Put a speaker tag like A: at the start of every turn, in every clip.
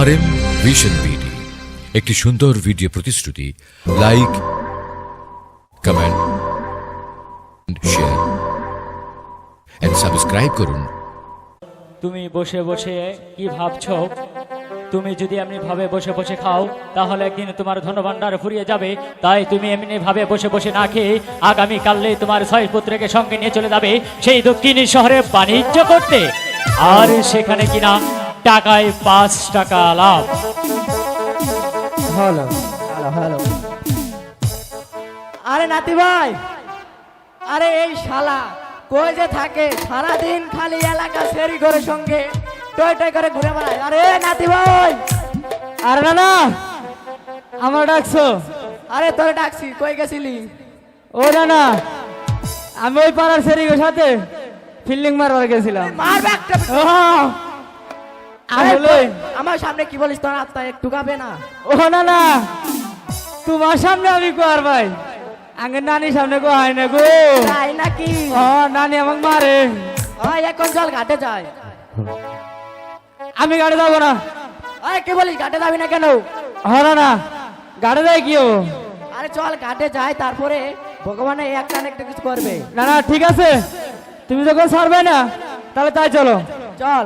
A: RM vision BD একটি সুন্দর video প্রতিশ্রুতি। Like, comment, share and subscribe করুন।
B: তুমি বসে বসে কি ভাবছো? তুমি যদি এমনি ভাবে বসে বসে খাও তাহলে একদিন তোমার ধনভাণ্ডার ফুরিয়ে যাবে। তাই তুমি এমনি ভাবে বসে বসে না খেয়ে আগামী কালে তোমার 6 পুত্রকে সঙ্গে নিয়ে চলে যাবে সেই দক্ষিণী শহরে বাণিজ্য করতে, আর সেখানে কিনা টাকায় 5 টাকা লাভ।
C: হ্যালো হ্যালো, আরে নাতি ভাই, আরে এই শালা কই যে থাকে সারাদিন খালি এলাকা সেরি করে সঙ্গে টয় টয় করে ঘুরে বেড়ায়। আরে নাতি ভাই,
D: আরে না না, আমার ডাকছো?
C: আরে তোরে ডাকছি, কই গেছিলি?
D: ও না না, আমি ওই পাড়ার সেরিগের সাথে ফিল্ডিং মারবার গেছিলাম।
C: মারবে একটা।
D: আসলে
C: আমার সামনে কি বলিস, তোর আত্মা একটু গাবে না?
D: ও না না, তোমার সামনে আমি কোয়ার ভাই, আগে নানির সামনে কো হয় না গো।
C: তাই নাকি?
D: ও নানি আমাকে মারে।
C: ওই এখন চল ঘাটে যাই।
D: আমি গাড়ি যাবো না।
C: আরে কি বলিস, ঘাটে যাবি না কেন?
D: হ না না, গাড়ি যাই কি হবো?
C: আরে চল ঘাটে যাই, তারপরে ভগবানে একটা না একটা কিছু করবে।
D: না না ঠিক আছে, তুমি যখন ছাড়বে না তাহলে তাই চলো।
C: চল।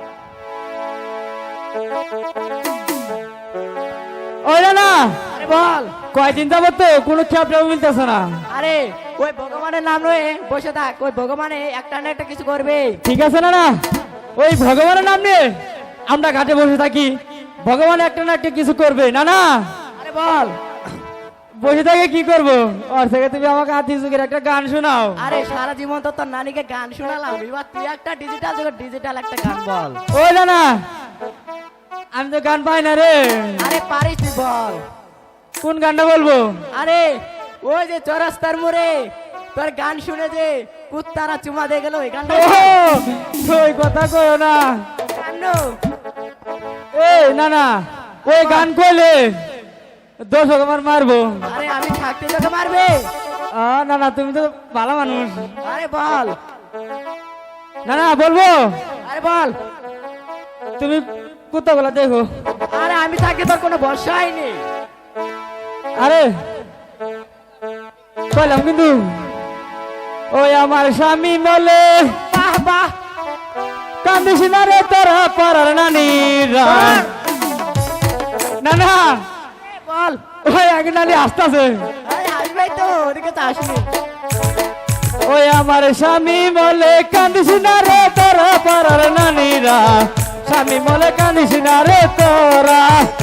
D: ওই না না,
C: আরে বল।
D: কয়দিন যাবো তো কোনো খ্যাপটাও মিলতেছে না।
C: আরে ওই ভগবানের নাম লয়ে বসে থাক, ওই ভগবানে একটা না একটা কিছু করবে।
D: ঠিক আছে না না, ওই ভগবানের নাম নিয়ে আমরা ঘাটে বসে থাকি, ভগবান একটা না একটা কিছু করবে। না না,
C: আরে বল।
D: বসে থাকে কি করবো? ওর থেকে তুমি আমাকে আতি যুগের একটা গান শোনাও।
C: আরে সারা জীবন তো তোর নানিকে গান শোনালাম, এবার তুই একটা ডিজিটাল যুগের ডিজিটাল একটা গান বল।
D: ওই না না, আমি তো গান পাই না রে।
C: আরে পারিস তুই, বল।
D: কোন গানটা বলবো?
C: আরে ওই যে চৌরাস্তার মোড়ে তোর গান শুনে যে কুত্তারা চুমা দিয়ে গেল, ওই গানটা।
D: ওই কথা কয় না।
C: গান।
D: এই না না, ওই গান কইলে দর্শক আমার মারবো।
C: আরে আমি থাকতে তোকে মারবে?
D: না না, তুমি তো ভালো মানুষ।
C: আরে বল।
D: না না বলবো,
C: আরে বল।
D: তুমি কুত্তাগুলা দেখো।
C: আরে আমি থাকতে তোর কোনো ভরসাই নেই।
D: আরে কইলাম কিন্তু, ওই আমার স্বামী বলে
C: বাহ বাহ।
D: কান্দিস না রে তোরা পারার নানি। না না,
C: বল।
D: ওই আগে নানি আসতেছে।
C: আরে আসবেই তো, ওদিকে তো আসবি।
D: ওই আমার স্বামী বলে কান্দিস না রে তোরা পারার নানিরা, স্বামী বলে কান্দিস না রে তোরা।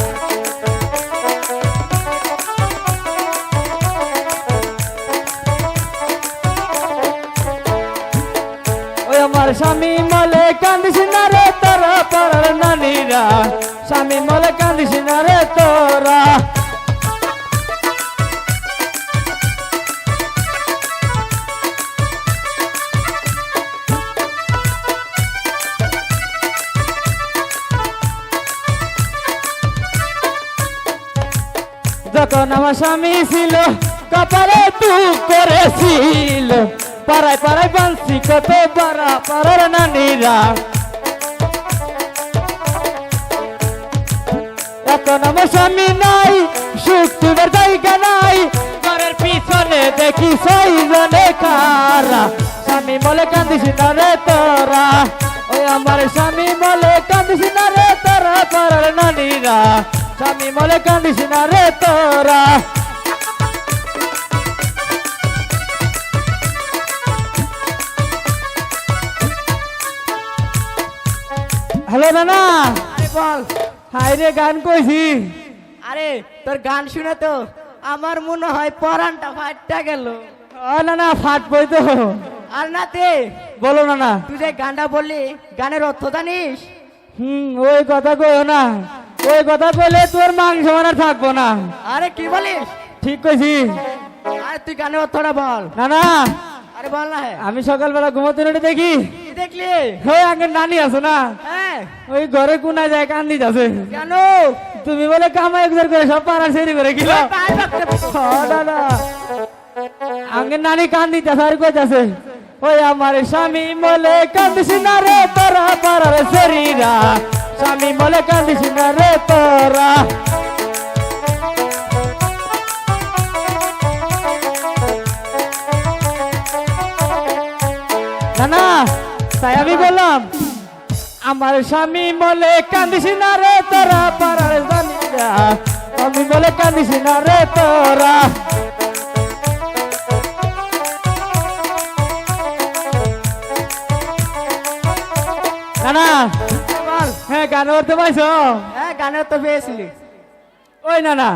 D: ওই আমার স্বামী বলে কান্দিস না রে তোরা পারার নানিরা, স্বামী বলে কান্দিস না রে তোরা। যখন আমার স্বামী ছিল কপালে দুঃখ করেছিল, পাড়ায় পাড়ায় বাঁধছি কত পাড়া পাড়ার নানিরা। এখন আমার স্বামী নাই, সুখ তোমার জায়গা নাই, ঘরের পিছনে দেখি 6 জনে কারা, স্বামী বলে কান্দিস না রে তোরা। ওই আমার স্বামী বলে কান্দিস না রে তোরা পাড়ার নানিরা, স্বামী বলে কান্দিস না রে তোরা। হ্যালো নানা।
C: আরে বল।
D: হাই রে, গান কইছি।
C: আরে তোর গান শুনে তো আমার মনে হয় পরানটা ফাটটা গেল।
D: ও না না, ফাটবই তো।
C: আর নাতে
D: বলো না না।
C: তুই যে গানটা বললি, গানের অর্থ জানিস?
D: ওই কথা কইও না, ওই কথা কইলে তোর মাংস মানার থাকবো না।
C: আরে কি বলিস?
D: ঠিক কইছি।
C: আরে তুই গানের অর্থটা বল।
D: না না,
C: আরে বল না। হ্যাঁ,
D: আমি সকালবেলা ঘুমোতে উঠে দেখি
C: কি দেখলি?
D: ওই আগে নানি আছো না,
C: হ্যাঁ।
D: ওই ঘরে কোনায় যায় কান্দি যাচ্ছে।
C: কেন?
D: তুমি বলে কামাই একবার করে সব পাড়ার সেরি করে গেল। দাদা আগে নানি কান্দি যাচ্ছে আর কইতাছে, ওই আমার স্বামী বলে কান্দিস না রে তোরা পাড়ার সেরিরা, স্বামী বলে কান্দিস না রে তোরা না না তাই আমি বললাম আমার স্বামী বলে কান্দিস না রে তোরা পাড়ার জানিরা আমি বলে কান্দিস না রে তোরা না না
C: বল
D: হ্যাঁ গান করতে পাইছো
C: হ্যাঁ গানের তো পেয়েছিলি
D: ওই না না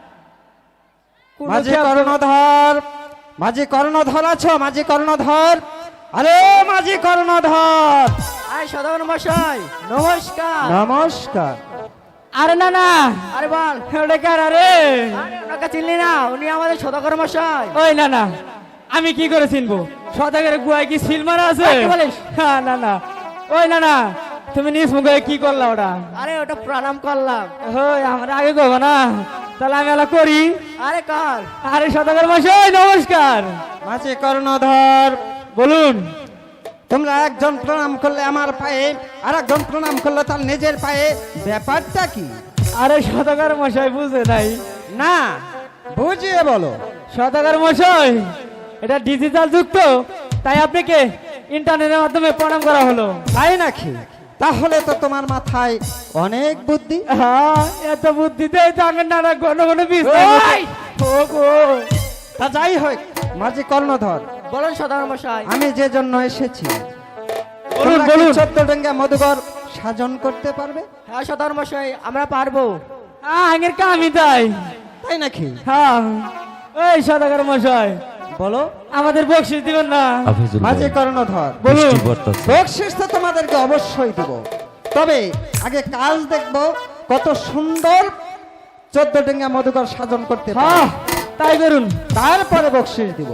E: মাঝি কর্ণধর মাঝি কর্ণধর আছো মাঝি কর্ণধর আরে মাঝি কর্ণধর
C: আরে সদাগর মশাই নমস্কার
E: নমস্কার
D: আরে না না
C: আরে বল
D: ওটা কার আরে
C: আরে ওনাকে চিনলি না উনি আমাদের সদাগর মশাই
D: ওই না না আমি কি করে চিনবো সদাগের গুয়ায় কি সিল মারা আছে
C: কি বলিস?
D: হ্যাঁ না না ওই না না তুমি নিজ মুখে কি করলা ওটা
C: আরে ওটা প্রণাম করলাম
D: ওই আমরা আগে করবো না তাহলে আমি এলা করি
C: আরে কর
D: আরে সদাগর মশাই নমস্কার
E: মাঝি কর্ণধর
D: বলুন
E: তোমরা একজন প্রণাম করলে আমার পায়ে আর একজন প্রণাম করলে তার নিজের পায়ে ব্যাপারটা কি
D: আরে সদাগর মশাই বুঝে নাই
E: না বুঝিয়ে বলো
D: সদাগর মশাই এটা ডিজিটাল যুক্ত তাই আপনাকে ইন্টারনেটের মাধ্যমে প্রণাম করা হলো
E: তাই নাকি তাহলে তো তোমার মাথায় অনেক বুদ্ধি
D: হ্যাঁ এত বুদ্ধিতে জানেন না না ঘন ঘন বিষ
C: ওই!
D: ও গো
E: তা যাই হোক মাঝি কর্ণধর
C: বলুন সদাগর মশাই
E: আমি যে জন্য এসেছি
D: বলুন
E: তোমরা কি
D: বলুন
E: 14 ডেঙ্গা মধুকর সাজন করতে পারবে
C: হ্যাঁ সদাগর মশাই আমরা পারবো
D: আগের কামই তাই
E: তাই নাকি
D: হ্যাঁ ওই সদাগর মশাই
E: বলো
D: আমাদের বকশিস দিবেন না
E: মাঝি কর্ণধর
D: বলুন
E: বকশিস তো তোমাদেরকে অবশ্যই দেব তবে আগে কাজ দেখব কত সুন্দর 14 ডেঙ্গা মধুকর সাজন করতে পারো।
D: হ্যাঁ তাই করুন
E: তারপরে বকশিস দিব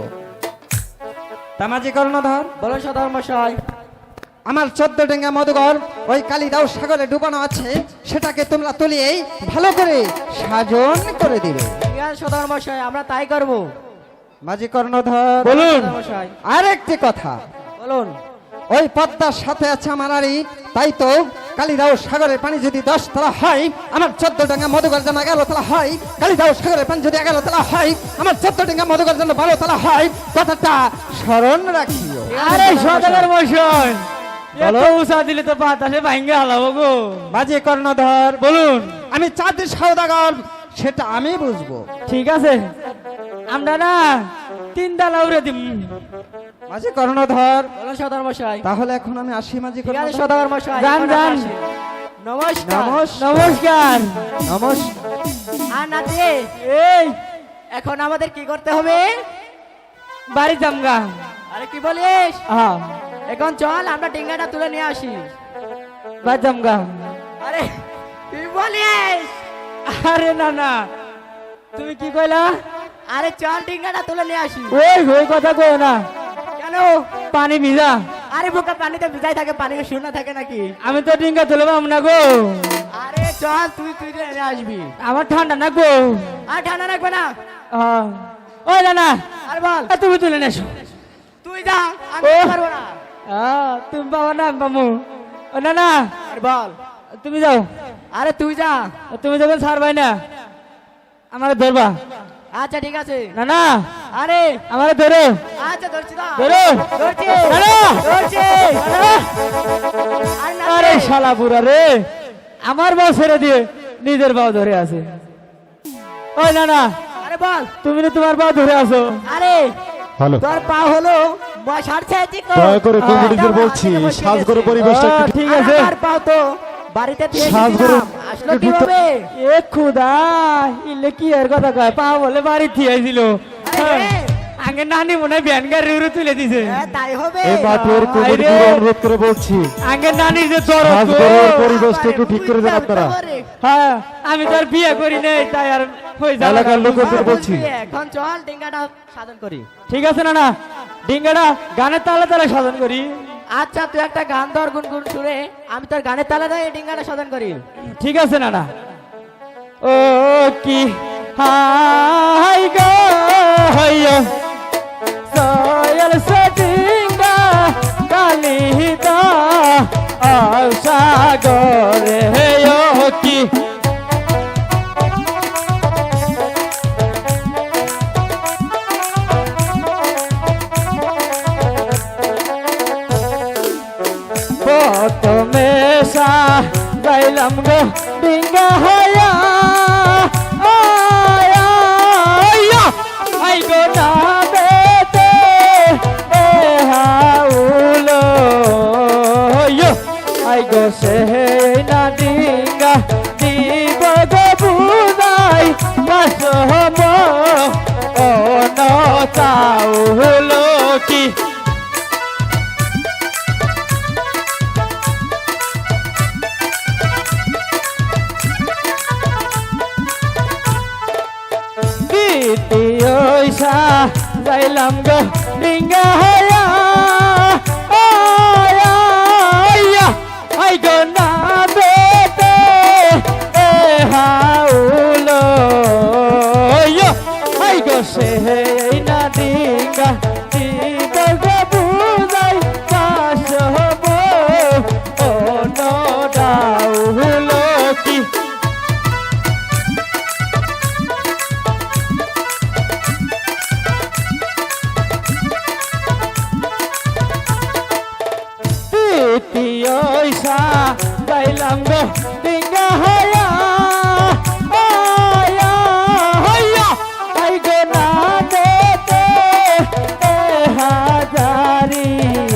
E: তা মাঝি কর্ণধর
C: বলুন সদাগর মশাই
E: আমার 14 ডেঙ্গা মধুকর ওই কালিদাও সাগরে ডুবানো আছে সেটাকে তোমরা তুলিয়েই ভালো করে সাজন করে দিবে
C: ঠিক আছে সদাগর মশাই আমরা তাই করবো
E: মাঝি কর্ণধর
D: বলুন
C: সদাগর মশাই
E: আরেকটি কথা
C: বলুন
E: ওই পদ্মার সাথে আছে আমার আড়ি তাই তো কালিদাও সাগরের পানি যদি 10 তলা হয় আমার 14 ডেঙ্গা মধুকর যেন 11 তলা হয় কালিদাও সাগরের পানি যদি 11 তলা হয় আমার 14 ডেঙ্গা মধুকর যেন 12 তলা হয় কথাটা স্মরণ রাখিও
D: আরে সদাগর মশাই এত
E: বলো।
D: উষা দিলে তো বাতাসে ভাঙ্গে হালাবো গো
E: মাঝি কর্ণধর
D: বলুন
E: আমি চাঁদের সওদাগর সেটা আমি বুঝবো
D: ঠিক আছে আমরা না 3 ডালা উড়ে দিম
E: মাঝি কর্ণধর
C: বলুন সদাগর মশাই
E: তাহলে এখন আমি আসি মাঝি
C: ঠিক আছে
E: কর্ণধর
C: সদাগর মশাই
D: যান,
C: এখন
D: যান।
C: আমরা আসি। নমস্কার
D: নমস্কার
E: নমস্কার
C: আর নাতি
D: এই
C: এখন আমাদের কি করতে হবে
D: বাড়ি জামগা
C: আরে কি বলিস
D: হ্যাঁ
C: এখন চল আমরা ডিঙ্গাটা তুলে নিয়ে আসি
D: বাড়ি জামগা
C: আরে কি বলিস
D: আরে না না তুমি কি কইলা
C: আরে চল ডিঙ্গাটা তুলে নিয়ে আসি
D: ওই কথা কই না
C: কেন
D: পানি ভিজা
C: আরে বোকা পানিতে ভিজাই থাকে পানি শূন্য থাকে নাকি
D: আমি তো ডিঙ্গা তুলে পাবো না গো
C: আরে চল তুই তুই নিয়ে আসবি
D: আমার ঠান্ডা না গো
C: আর ঠান্ডা রাখবে না
D: হ্যাঁ। ওই না না
C: আর বল
D: তুমি তুলে নেছো
C: তুই যা আমি
D: ও।
C: পারবো না
D: তুমি পাবো না বামু ও না না
C: আর বল
D: তুমি যাও
C: আরে তুই যা
D: তুমি যখন ছাড়বাই না আমার ধরবা
C: আচ্ছা ঠিক আছে
D: না না
C: আরে
D: আমার ধরো
C: আচ্ছা ধরছি না
D: ধরো
C: ধরছি
D: না, না।
C: ধরছি
D: না।
C: আরে না
D: আরে শালা পুরা রে আমার বাউ ছেড়ে দিয়ে নিজের বাউ ধরে আছে ওই না না
C: আরে বল
D: তুমি না তোমার বাউ ধরে আছো
C: আরে
F: হ্যালো
C: তোর পা হলো সারছে
F: দয়া করে কমিটিদের বলছি সাজগর পরিবেশটা একটু
D: ঠিক আছে
C: আর পাও তো বাড়িতে দিয়ে
F: সাজগরে
C: গেছিলাম। আসলো কিভাবে
D: এ খুদা ইলে কি এর কথা কয় পা বলে বাড়ি থিয়েছিল
C: আরে,
D: আগে নানি মনে হয় ভ্যান গাড়ি উড়ে তুলে দিছে
C: হ্যাঁ, তাই হবে
F: এই মাঠের কমিটিকে
D: আরে।
F: অনুরোধ করে বলছি
D: আগে নানির যে জ্বর
F: সাজগরের পরিবেশটা একটু ঠিক করে দেন আপনারা
D: হ্যাঁ আমি তো আর বিয়ে করি নাই তাই আর হয়ে যাবে
F: এলাকার লোকদের বলছি
C: এখন চল ডিঙ্গাটা সাধন করি
D: ঠিক আছে না না ডিঙ্গাটা গানের তালে তালে সাধন করি
C: আচ্ছা তুই একটা গান ধর গুনগুন সুরে আমি তোর গানের তালে দেয় ডিঙ্গাটা সাধন করি
D: ঠিক আছে না না ও কি হাই গো হইয় সয়ল সটিঙ্গা কালিদা আশা গরে যাইলাম গো ডিঙ্গা হইয়া আই গো না বেতে হাউলো আই গো সে না ডিঙ্গা দিব গো বুদাই বাসম ও নতাউলো কি ওইসা যাইলাম গো ডিঙ্গা হইয়া আই গো না বেতে হাউলো আই গো সে না ডিঙ্গা দিব গো বুঝাই বাসব ও নডাউলো কি ওইসা যাইলাম গো ডিঙ্গা হইয়া আই গো না দেতে হাজারি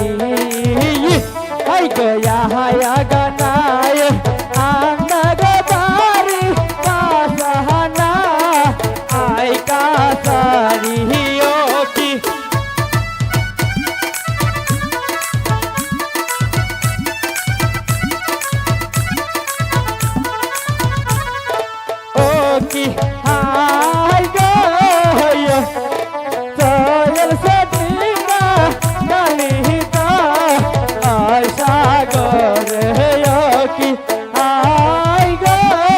D: আই গো হায়া গানায় আন্না গারি কাসাহানা আই কাসারি ও কি কি হাই গো চল সদিনা কালিতা আই সাগর কি হাই গো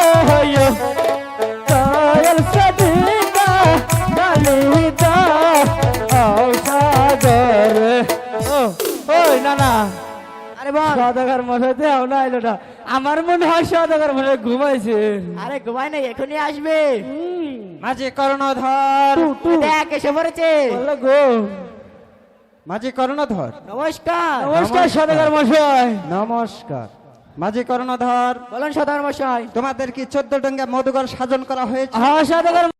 D: চল সদিনা কালিতা আই সাগর ওই না না
C: আরে বল
D: সদাগর মশাই দেও না এলো না আমার মনে হয় সদাগর মশাই ঘুমাইছে
C: আরে ঘুমাই নাই এখনই আসবে
E: মাঝি কর্ণধর
C: দেখ এসে পড়েছে
D: বলো গো
E: মাঝি কর্ণধর
C: নমস্কার
D: নমস্কার সদাগর মশাই
E: নমস্কার মাঝি কর্ণধর
C: বলুন সদর মশাই
E: তোমাদের কি 14 ডঙ্গা মধুকর সাজন করা হয়েছে
D: হ্যাঁ সদাগর